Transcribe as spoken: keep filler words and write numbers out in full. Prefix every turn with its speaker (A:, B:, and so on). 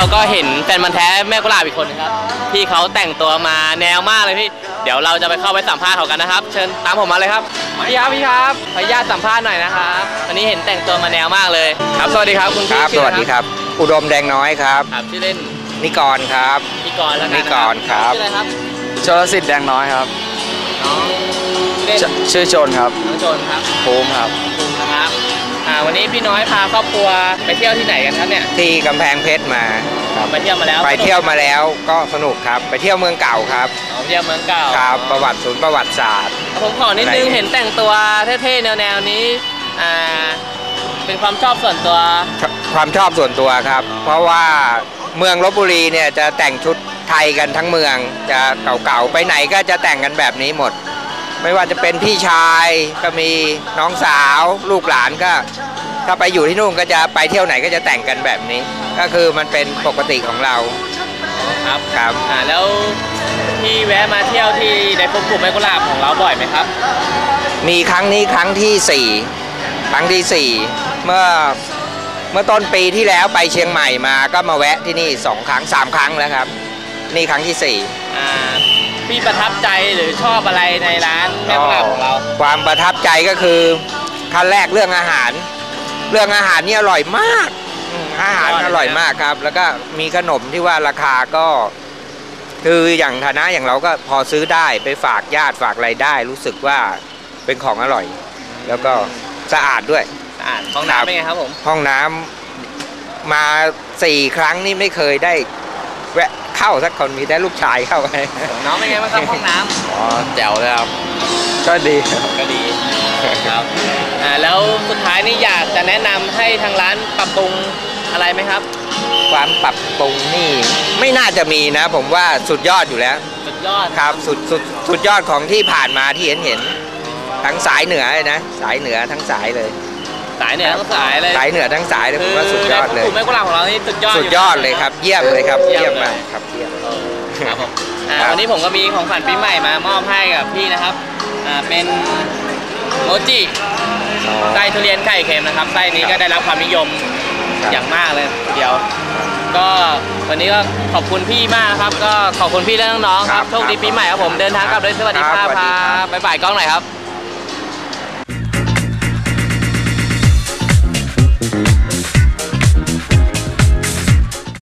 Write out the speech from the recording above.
A: เราก็เห็นแฟนมันแท้แม่กุหลาบอีกคนนะครับพี่เขาแต่งตัวมาแนวมากเลยพี่เดี๋ยวเราจะไปเข้าไปสัมภาษณ์เขากันนะครับเชิญตามผมมาเลยครับพี่ครับพี่ครับขออนุญาตสัมภาษณ์หน่อยนะครับวันนี้เห็นแต่งตัวมาแนวมากเลยครับสวัสดีครับคุณพี่
B: ครับสวัสดีครับอุดมแดงน้อยครับ
A: ครับชื่อเล่น
B: นิกรครับ
A: นิกรแล้วกัน
B: นิกรครับ
A: ชื่ออะไรครับ
C: ชลสิทธิ์แดงน้อยครับ
A: น้อง
C: ชื่อโจนครับ
A: น้องโจนครับ
C: ภูมิครับ
A: ภูมินะครับอ่าวันนี้พี่น้อยพาครอบครัวไปเที่ยวที่ไหนกันครับเนี่ย
B: ที่กำแพงเพชรมา
A: ไปเที่ยวมาแล้ว
B: ไปเที่ยวมาแล้วก็สนุกครับไปเที่ยวเมืองเก่าครับ
A: เที่ยวเมืองเก่า
B: ครับประวัติศูนย์ประวัติศาสตร์
A: ผมขอนิดนึงเห็นแต่งตัวเท่ๆแนวๆนี้อ่าเป็นความชอบส่วนตัว
B: ความชอบส่วนตัวครับเพราะว่าเมืองลพบุรีเนี่ยจะแต่งชุดไทยกันทั้งเมืองจะเก่าๆไปไหนก็จะแต่งกันแบบนี้หมดไม่ว่าจะเป็นพี่ชายก็มีน้องสาวลูกหลานก็ถ้าไปอยู่ที่นู่นก็จะไปเที่ยวไหนก็จะแต่งกันแบบนี้ก็คือมันเป็นปกติของเรา
A: ครับ
B: ครับ
A: อ่าแล้วที่แวะมาเที่ยวที่ในกลุ่มแม่กุหลาบของเราบ่อยไหมครับ
B: มีครั้งนี้ครั้งที่สี่ครั้งที่สี่เมื่อเมื่อต้นปีที่แล้วไปเชียงใหม่มาก็มาแวะที่นี่สองครั้งสามครั้งแล้วครับนี่ครั้งที่สี่
A: อ่าพี่ประทับใจหรือชอบอะไรในร้านแม่กุหลาบของเรา
B: ความประทับใจก็คือขั้นแรกเรื่องอาหารเรื่องอาหารนี่อร่อยมากอาหารอร่อยมากครับแล้วก็มีขนมที่ว่าราคาก็คืออย่างฐานะอย่างเราก็พอซื้อได้ไปฝากญาติฝากอะไรได้รู้สึกว่าเป็นของอร่อยแล้วก็สะอาดด้วย
A: สะอาดห้องน้ำเป็นไงครับผม
B: ห้องน้ำมาสี่ครั้งนี่ไม่เคยได้แวะเข้าสักคนมีแต่ลูกชายเข้าไป
A: น้องเป็นไงบ้างครับห้องน้ำ
C: อ๋อแจ๋วเลยครับก็ดี
A: ก็ดีครับอ่าแล้วสุดท้ายนี่อยากจะแนะนำให้ทางร้านปรับปรุงอะไรไหมครับ
B: ความปรับปรุงนี่ไม่น่าจะมีนะผมว่าสุดยอดอยู่แล้ว
A: สุดยอด
B: ครับสุดสุดสุดยอดของที่ผ่านมาที่เห็นเห็นทั้งสายเหนือเลยนะสายเหนือทั้งสายเลย
A: สายเหนือทั้งสายเลย
B: สายเหนือทั้งสายเลยผมว่าสุดยอดเลย
A: กลุ่มแม่กุหลาบของเรานี่สุดยอด
B: สุดยอดเลยครับเยี่ยมเลยครับเยี่ยมมากครับเยี่ยม
A: ครับผมวันนี้ผมก็มีของขวัญปีใหม่มามอบให้กับพี่นะครับอ่าเป็นโมจิไส้ทุเรียนไข่เค็มนะครับไส้นี้ก็ได้รับความนิยมอย่างมากเลยเดียวก็วันนี้ก็ขอบคุณพี่มากครับก็ขอบคุณพี่และน้องๆครับโชคดีปีใหม่ครับผมเดินทางกลับด้วยสวัสดีครับบ๊ายบายกล้องหน่อยครับ